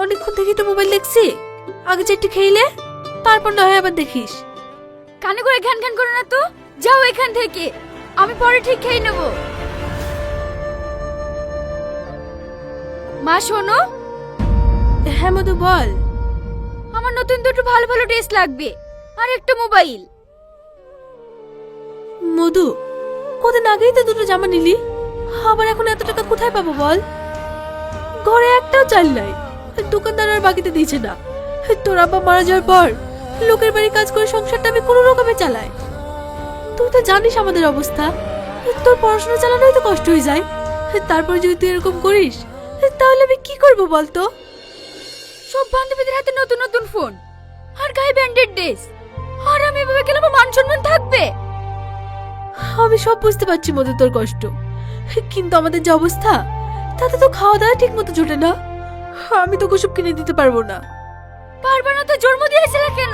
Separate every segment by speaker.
Speaker 1: অনেকক্ষণ থেকেই তো মোবাইল দেখছি। আগে চারটি খেইলে তারপর না হয় আবার দেখিস।
Speaker 2: কানে করে ঘ্যান ঘ্যান করো না তো, যাও এখান থেকে, আমি পরে ঠিক খেয়ে নেব। মা শোনো।
Speaker 1: হ্যাঁ মধু বল।
Speaker 2: আমার নতুন দুটো ভালো ভালো ড্রেস লাগবে আর একটা মোবাইল।
Speaker 1: মধু, কদিন আগেই তো দুটো জামা নিলি, আবার এখন এত টাকা কোথায় পাবো বল? ঘরে একটাও চাল নাই, দোকানদার আর বাকিতে দিয়েছে না। তোর আব্বা মারা যাওয়ার পর লোকের বাড়ি কাজ করে সংসারটা আমি কোনো রকমে চালাই। তুই তো জানিস আমাদের অবস্থা, তোর পড়াশোনা চালানোই তো কষ্ট হয়ে যায়। তারপর যদি তুই এরকম করিস তাহলে আমি কি করবো বলতো?
Speaker 2: সব বান্ধবীদের হাতে নতুন নতুন ফোন আর গায়ে ব্র্যান্ডেড ড্রেস, আর আমি এভাবে গেলে আমার মান সম্মান থাকবে?
Speaker 1: আমি সব বুঝতে পারছি মধু তোর কষ্ট, কিন্তু আমাদের যে অবস্থা তাতে তো খাওয়া দাওয়া ঠিক মতো জোটে না। আমি তো ওসব কিনে দিতে পারবো না।
Speaker 2: পারবে না তো জন্ম দিয়েছিলে কেন?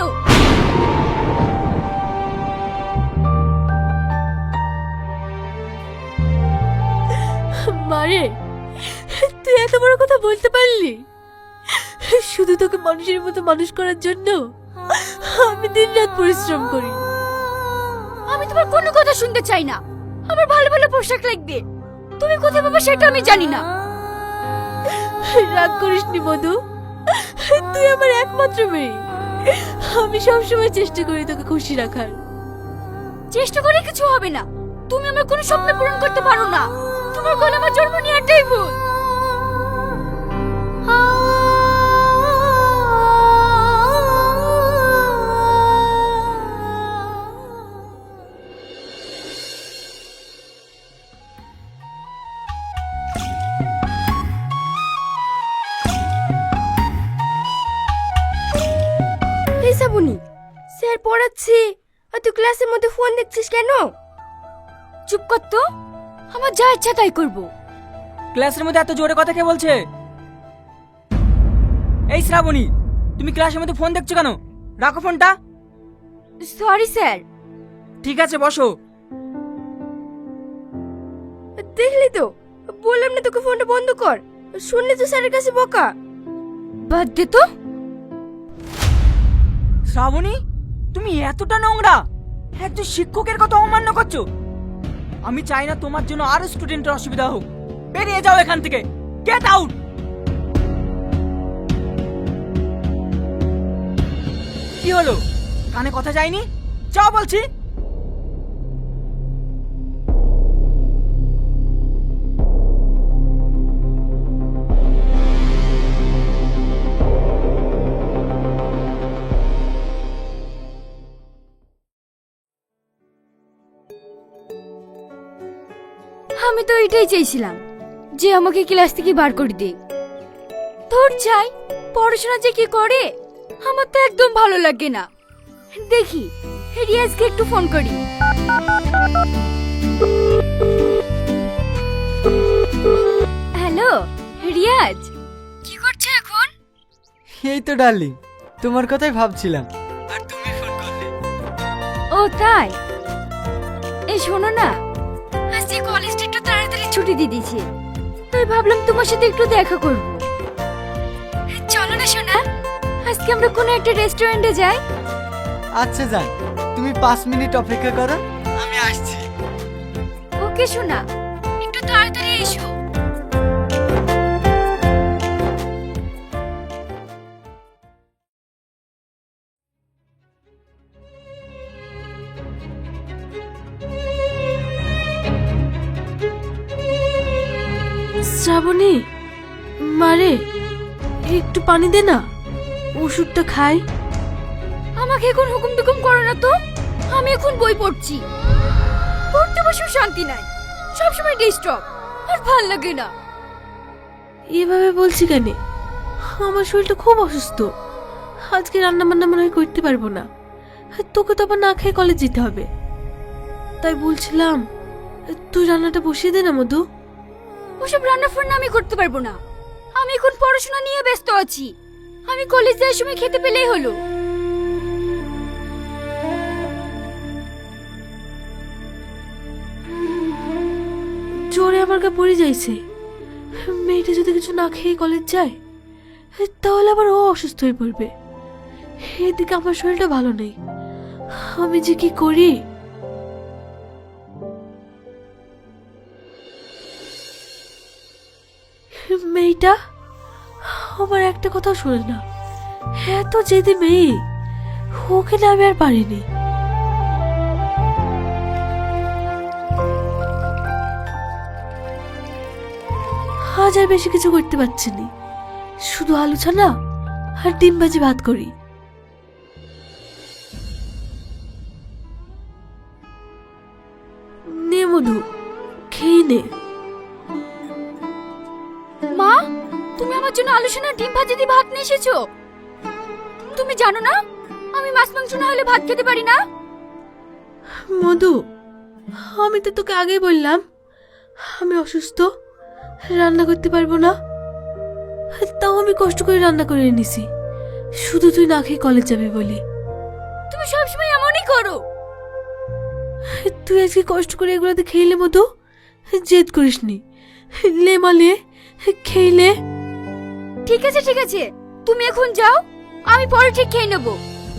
Speaker 1: মারে, তুই এত বড় কথা বলতে পারলি? শুধু তোকে মানুষের মতো মানুষ করার জন্য আমি দিনরাত পরিশ্রম করি।
Speaker 2: আমি তোমার কোনো কথা শুনতে চাই না। আমার ভালো ভালো পোশাক লাগবে, তুমি কোথায় পাবে সেটা আমি জানি না।
Speaker 1: রাগ করিস নি মধু, তুই আমার একমাত্র মেয়ে। আমি সবসময় চেষ্টা করি তোকে খুশি রাখার।
Speaker 2: চেষ্টা করে কিছু হবে না, তুমি আমার কোনো স্বপ্ন পূরণ করতে পারো না। তোমার গলা আমার জন্ম নেওয়াটাই ভুল।
Speaker 3: এই শ্রাবণী, স্যার পড়াচ্ছি আর তুই ক্লাসের মধ্যে ফোন দেখছিস কেন?
Speaker 2: চুপ কর তো, আমার যা ইচ্ছা তাই করব।
Speaker 4: ক্লাসের মধ্যে এত জোরে কথা কে বলছে? এই শ্রাবণী, তুমি ক্লাসের মধ্যে ফোন দেখছো কেন? রাখো ফোনটা।
Speaker 2: Sorry sir.
Speaker 4: ঠিক আছে বসো।
Speaker 3: দেখলি তো, বললাম না তোকে ফোনটা বন্ধ কর, শুনলে তো স্যারের কাছে বকা।
Speaker 2: বাদ দে তো।
Speaker 4: শ্রাবণী, তুমি এতটা নোংরা, একজন শিক্ষকের কথা অমান্য করছো। আমি চাই না তোমার জন্য আরো স্টুডেন্টের অসুবিধা হোক। বেরিয়ে যাও এখান থেকে, গেট আউট। কি হলো, কানে কথা যায়নি? যাও বলছি।
Speaker 2: আমি তো এটাই চাইছিলাম যে আমাকে ক্লাস থেকে বার করে দে। তোর চাই পড়াশোনা যে কি করে, আমার তো একদম ভালো লাগে না। দেখি রিয়াজকে একটু ফোন করি। হ্যালো রিয়াজ, কি করছো এখন?
Speaker 5: এই তো ডার্লিং, তোমার কথাই ভাবছিলাম আর তুমি ফোন করলে।
Speaker 2: ও তাই? এই শোনো না, আজকে কলেজটা একটু তাড়াতাড়ি ছুটি দিয়ে দিয়েছে, তাই ভাবলাম তোমার সাথে একটু দেখা করব। চলো না সোনা, আজকে আমরা কোনো একটা রেস্টুরেন্টে যাই।
Speaker 5: আচ্ছা যান, তুমি 5 মিনিট অপেক্ষা করো, আমি আসছি।
Speaker 2: ওকে সোনা, একটু তাড়াতাড়ি এসো।
Speaker 1: শ্রাবণী, মারে একটু পানি দে না, ওষুধটা খাই।
Speaker 2: আমাকে এখন হুকুম টুকুম করো না তো, আমি এখন বই পড়ছি। পড়তে বসেও শান্তি নাই, সবসময় ডিস্টার্ব, আর ভাল লাগে না।
Speaker 1: এভাবে বলছি কেন? আমার শরীরটা খুব অসুস্থ, আজকে রান্না বান্না মনে হয় করতে পারবো না। তোকে তো আবার না খেয়ে কলেজ যেতে হবে। তাই বলছিলাম তুই রান্নাটা বসিয়ে দে না মধু।
Speaker 2: ওসব রান্না ফান্না আমি করতে পারবো না, আমি এখন পড়াশোনা নিয়ে ব্যস্ত আছি। আমি কলেজ যাওয়ার সময় খেতে পেলেই হলো।
Speaker 1: জোরে আমার গা পড়ে যাইছে। মেয়েটা যদি কিছু না খেয়ে কলেজ যায় তাহলে আবার ও অসুস্থ হয়ে পড়বে। এদিকে আমার শরীরটা ভালো নেই, আমি যে কি করি। মেয়েটা আমার একটা কথাও শোনে না, এত জেদি মেয়ে, ওকে না আমি আর পারিনি। আজ আর বেশি কিছু করতে পারছি না, শুধু আলু ছানা আর ডিম ভাজি ভাত করি। নে মধু, খেয়ে নে।
Speaker 2: মা, তুমি আমার জন্য আলু সোনা ডিম ভাজি দিয়ে ভাত নিয়ে এসেছো। তুমি জানো না আমি মাছ মাংস না হলে ভাত খেতে পারি না।
Speaker 1: মধু, আমি তো তোকে আগেই বললাম আমি অসুস্থ, রান্না করতে পারবো না। তাও আমি কষ্ট করে রান্না করে এনেছি, শুধু তুই না খেয়ে কলেজ যাবি বলি।
Speaker 2: তুমি সবসময় এমনই করো।
Speaker 1: তুই আজকে কষ্ট করে এগুলোতে খেলে মধু, জেদ করিসনি। লে মালে খেলে।
Speaker 2: ঠিক আছে ঠিক আছে, তুমি এখন যাও, আমি পরে ঠিক খেয়ে নেবো।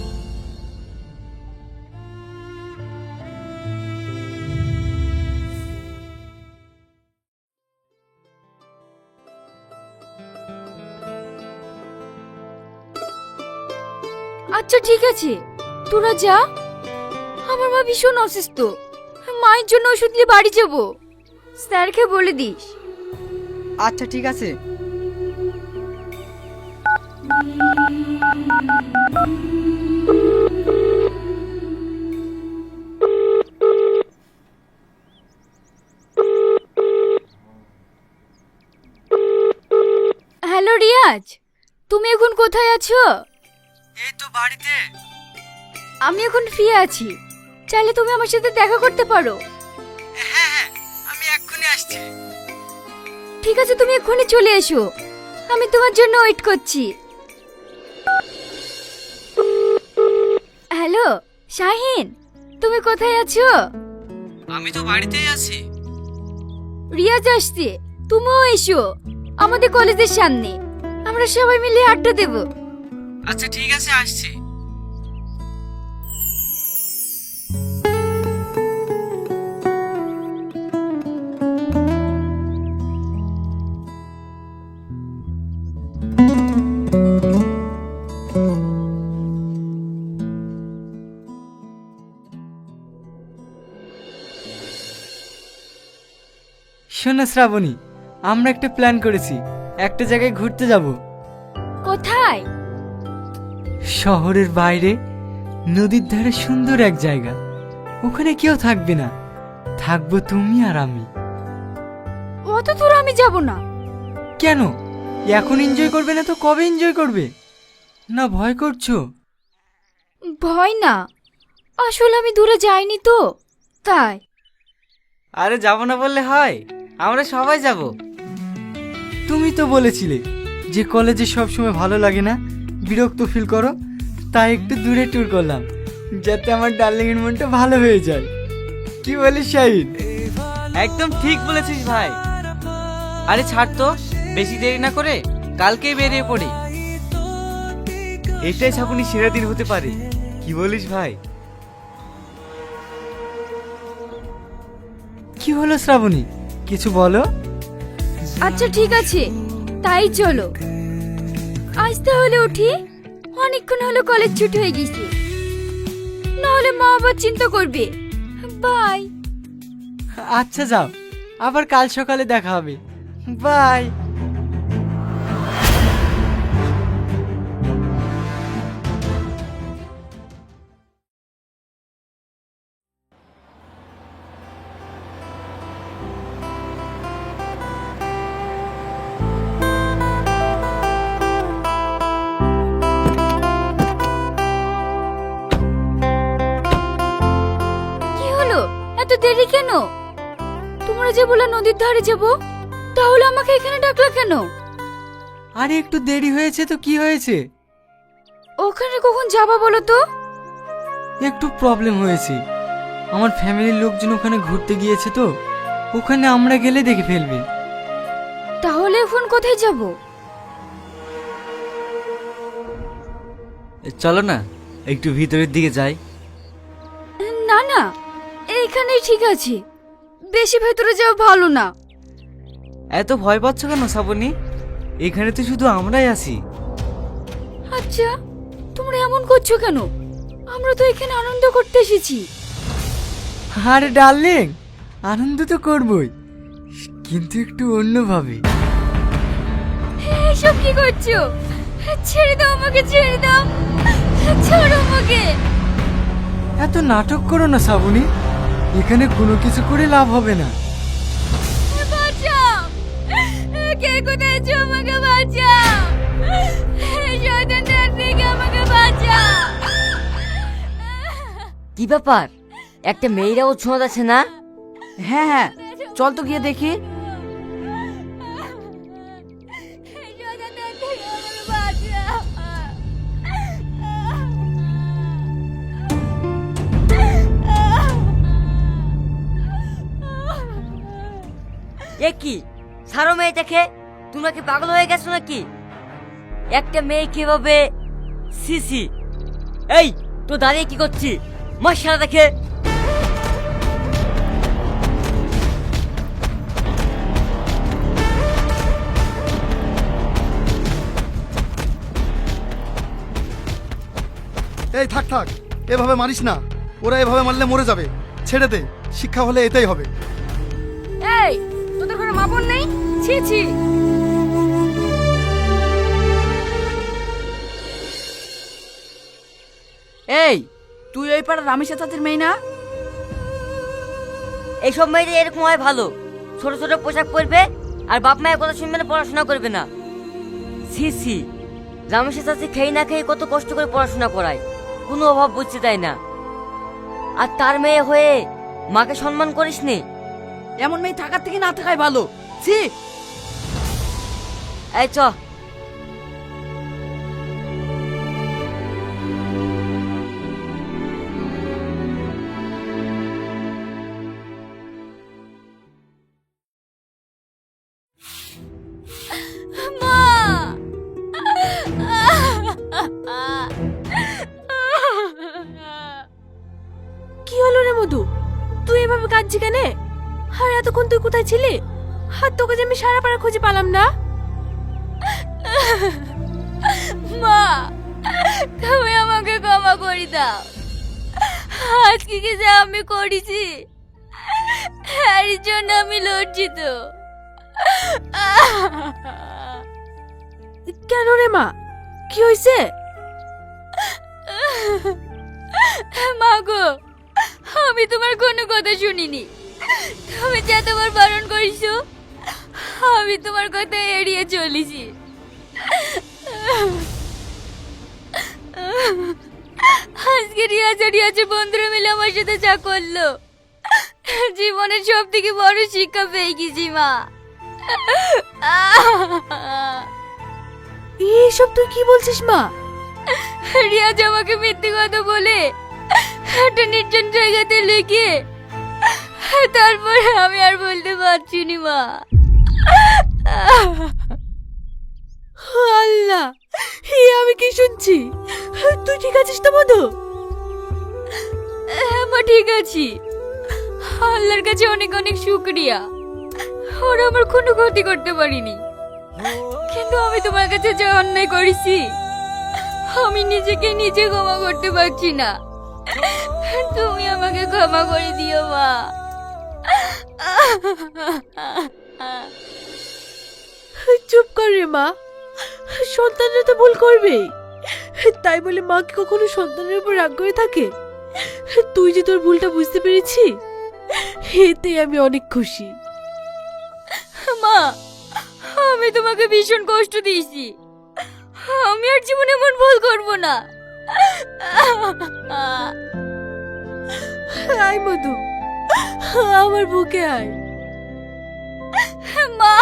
Speaker 2: আচ্ছা ঠিক আছে, তোরা যা। আমার মা ভীষণ অসুস্থ, মায়ের জন্য ওষুধ নিয়ে বাড়ি যাবো। স্যারকে বলে দিস।
Speaker 5: আচ্ছা ঠিক আছে।
Speaker 2: হ্যালো রিয়াজ, তুমি এখন কোথায় আছো?
Speaker 5: এই তো বাড়িতে।
Speaker 2: আমি এখন ফ্রি আছি, চাইলে তুমি আমার সাথে দেখা করতে পারো।
Speaker 5: হ্যাঁ হ্যাঁ, আমি এক্ষুনি আসছি।
Speaker 2: ঠিক আছে, তুমি এক্ষুনি চলে এসো, আমি তোমার জন্য ওয়েট করছি। হ্যালো শাহিন, তুমি কোথায় আছো?
Speaker 5: আমি তো বাড়িতেই আছি।
Speaker 2: রিয়াজ আসছে, তুমিও এসো আমাদের কলেজের সামনে, আমরা সবাই মিলে আড্ডা দেব।
Speaker 5: আচ্ছা ঠিক আছে, আসছি। শোনো শ্রাবণী, আমরা একটা প্ল্যান করেছি, একটা জায়গায় ঘুরতে যাব।
Speaker 2: কোথায়?
Speaker 5: শহরের বাইরে, নদীর ধারে সুন্দর এক জায়গা। ওখানে কেউ থাকবে না, থাকবো তুমি আর আমি।
Speaker 2: অত দূর আমি যাব না।
Speaker 5: কেন? এখন এনজয় করবে না তো কবে এনজয় করবে? না ভয় করছো?
Speaker 2: ভয় না, আসলে আমি দূরে যাইনি তো তাই।
Speaker 5: আরে যাব না বললে হয়, আমরা সবাই যাব। তুমি তো বলেছিলে যে কলেজে সব সময় ভালো লাগে না, বিরক্ত ফিল করো, তাই একটু দূরে ট্যুর করলাম, যাতে আমার ডার্লিং এর মনটা ভালো হয়ে যায়। কি বলিস শাহিদ?
Speaker 6: একদম ঠিক বলেছিস ভাই। আরে ছাড় তো, বেশি দেরি না করে কালকেই বেরিয়ে পড়ি। এটাই ছাপুনি সেরা দিন হতে পারে, কি বলিস ভাই?
Speaker 5: কি হলো শ্রাবণী, কিছু বলো।
Speaker 2: আচ্ছা ঠিক আছে, তাই চলো। আজ তাহলে উঠি, অনেকক্ষণ হলো কলেজ ছুটি হয়ে গেছে, নাহলে মা আবার চিন্তা করবে। বাই।
Speaker 5: আচ্ছা যাও, আবার কাল সকালে দেখা হবে। বাই।
Speaker 2: কি হলো, এত দেরি কেন? তোমরা যে বলে নদীর ধারে যাব, তাহলে আমাকে এখানে ডাকলা কেন?
Speaker 5: আরে একটু দেরি হয়েছে তো কি হয়েছে?
Speaker 2: ওখানে কখন যাবা বলো তো?
Speaker 5: একটু প্রবলেম হয়েছে, আমার ফ্যামিলির লোকজন ওখানে ঘুরতে গিয়েছে তো, ওখানে আমরা গেলে দেখে ফেলবে।
Speaker 2: তাহলে এখন কোথায় যাব?
Speaker 6: চলো না একটু ভিতরের দিকে যাই।
Speaker 2: না না, এইখানেই ঠিক আছে, বেশি ভেতরে যাওয়া ভালো না।
Speaker 6: এত ভয় পাচ্ছ কেন শ্রাবণী? এখানে তো শুধু আমরাই আছি।
Speaker 2: আচ্ছা, তোমরা এমন করছো কেন? আমরা তো এখানে আনন্দ করতে এসেছি।
Speaker 5: আরে ডার্লিং, আনন্দ তো করবই, কিন্তু একটু অন্যভাবে।
Speaker 2: এইসব কি করছো? ছেড়ে দাও আমাকে, ছেড়ে দাও, ছাড়ো আমাকে।
Speaker 5: এত নাটক করো না শ্রাবণী, এখানে কোনো কিছু করে লাভ হবে না।
Speaker 2: বাঁচাও, কে কোথায় আছো? আমাকে বাঁচাও, শয়তানদের থেকে আমাকে বাঁচাও।
Speaker 7: কি ব্যাপার, একটা মেয়েরাও ছোঁয়া যাচ্ছে না?
Speaker 4: হ্যাঁ হ্যাঁ, চল তো গিয়ে দেখি।
Speaker 2: শয়তানদের থেকে আমাকে বাঁচাও।
Speaker 7: এ কি, ছাড়ো মেয়েটাকে, তোমরা কি পাগল হয়ে গেছো নাকি? একটা মেয়ে কিভাবে? সিসি, এই তো দাঁড়িয়ে কি করছি? মশারা দেখে।
Speaker 8: এই থাক থাক, এভাবে মারিস না, ওরা এভাবে মারলে মরে যাবে। ছেড়ে দে, শিক্ষা হলে এটাই হবে।
Speaker 3: এই, তোদের ঘরে মা বোন নেই? ছি ছি।
Speaker 4: এই, তুই ওই পাড়ার রামেশা চাচির মেয়ে না?
Speaker 7: এইসব মেয়েদের এরকম হয় ভালো, ছোট ছোট পোশাক পরবে আর বাপ মায়ের কথা শুনবে না, পড়াশোনা করবে না। সিসি, রামেশের চাচি খেয়ে না খেয়ে কত কষ্ট করে পড়াশোনা করায়, কোনো অভাব বুঝতে দেয় না। আর তার মেয়ে হয়ে মাকে সম্মান করিস নি?
Speaker 4: এমন মেয়ে থাকার থেকে না থাকাই ভালো। ছি।
Speaker 7: এই চ।
Speaker 1: কি হলো রে মধু, তুই এভাবে কাঁদছি কেন? আর এতক্ষণ তুই কোথায় ছিলি? আর তোকে যে আমি সারা পাড়া খুঁজে পেলাম না।
Speaker 2: মা, তুমি আমাকে ক্ষমা করে দাও। আজকে কি যা আমি করেছি, এর জন্য আমি লজ্জিত।
Speaker 1: কেন রে মা, কি হয়েছে?
Speaker 2: মা গো, আমি তোমার কোনো কথা শুনিনি। তুমি যতবার বারণ করেছো, আমি তোমার কথা এড়িয়ে চলেছি। আজকে রিয়াজে বন্ধুরা মিলে আমার সাথে যা করলো, জীবনের সব থেকে বড় শিক্ষা পেয়ে গেছি মা।
Speaker 1: এইসব তুই কি বলছিস মা?
Speaker 2: রিয়াজ আমাকে মিথ্যে কথা বলে একটা নির্জন জায়গাতে লুকিয়ে, তারপরে আমি আর বলতে পারছি না মা।
Speaker 1: আল্লাহ, আমি কি শুনছি? তুই ঠিক আছিস তো মধু?
Speaker 2: মা ঠিক আছি, আল্লাহর কাছে অনেক অনেক শুকরিয়া, ওরা আমার কোনো ক্ষতি করতে পারিনি। কিন্তু আমি তোমার কাছে যে অন্যায় করেছি, আমি নিজেকে নিজে ক্ষমা করতে পারছি না। তুমি আমাকে ক্ষমা করে দিও মা।
Speaker 1: চুপ কর রে মা, সন্তানরা তো ভুল করবেই, তাই বলে মা কি কখনো সন্তানের উপর রাগ করে থাকে? তুই যে তোর ভুলটা বুঝতে পেরেছি, এতে আমি অনেক খুশি।
Speaker 2: মা, আমি তোমাকে ভীষণ কষ্ট দিয়েছি, আমি আর জীবনে এমন ভুল করব না।
Speaker 1: আয় মধু, আমার বুকে আয়।
Speaker 2: মা,